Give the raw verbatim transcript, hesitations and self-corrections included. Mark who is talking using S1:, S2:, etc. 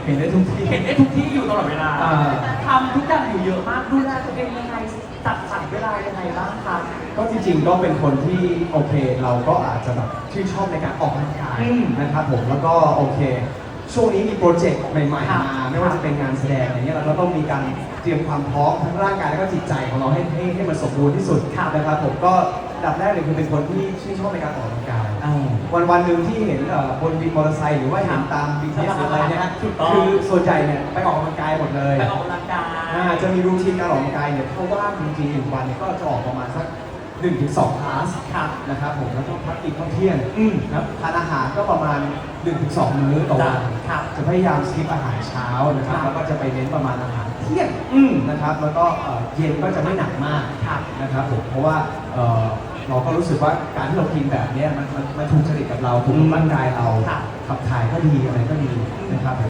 S1: เห็นได้ทุกที่
S2: เห็นได้ทุกที่อยู่ตลอดเวลา
S1: อ่า
S2: ทำทุกอย่างอยู่เยอะมากดูแลตัวเองยังไงจัดสรรเวลายังไงบ้างคะ
S1: ก็จริงๆก็เป็นคนที่โอเคเราก็อาจจะแบบชื่นชอบในการออกกำลังกาย
S2: อืม
S1: นะครับผมแล้วก็โอเค ช่วงนี้มีโปรเจกต์ใหม่
S2: ครับ
S1: ๆมาไม่ว่าจะเป็นงานแสดงอย่างเงี้ยเราก็ต้องมีการเตรียมความพร้อมทั้งร่างกายและก็จิตใจของเราให้ให้ให้มันสมบูรณ์ที่สุดนะครับผมก็อันดับแรกเลยคือเป็นคนที่ชื่นชอบในการออกกำลังกาย
S2: อ่า
S1: วันวันๆหนึ่งที่เห็นเอ่อบนวินมอเตอร์ไซค์หรือว่าเห็นตาม บี ที เอส หรืออะไรเนี่ยฮะ
S2: ถูกต้อง
S1: คือส่วนใหญ่เนี่ยไปออกกำลังกายหมดเลย
S2: ไปออกกำลังกาย
S1: อ่าจะมีรูทีนการออกกำลังกายเนี่ยถ้าว่างจริงๆหนึ่งวันเนี่ยก็จะออกประมาณสักหนึ่งถึงสองคลาส
S2: ครับ
S1: นะครับผมแล้วก็พักกินข้าวเที่ยง
S2: อืม
S1: นะครับทานอาหารก็ประมาณหนึ่งถึงสองมื้อต่อวัน
S2: ครับ
S1: จะพยายามสกิปอาหารเช้านะครับ
S2: ครับ
S1: แล้วก็จะไปเน้นประมาณอาหารเที่ยง
S2: อืม
S1: นะครับแล้วก็เอ่อเย็นก็จะไม่หนักมาก
S2: ครับ
S1: นะครับผมเพราะว่าเอ่อเราก็รู้สึกว่าการที่เรากินแบบเนี้ยมันมันมันถูกจริตกับเราถูกกับร่างกายเรา
S2: ครับ
S1: ขับถ่ายก็ดีอะไรก็ดีนะครับผม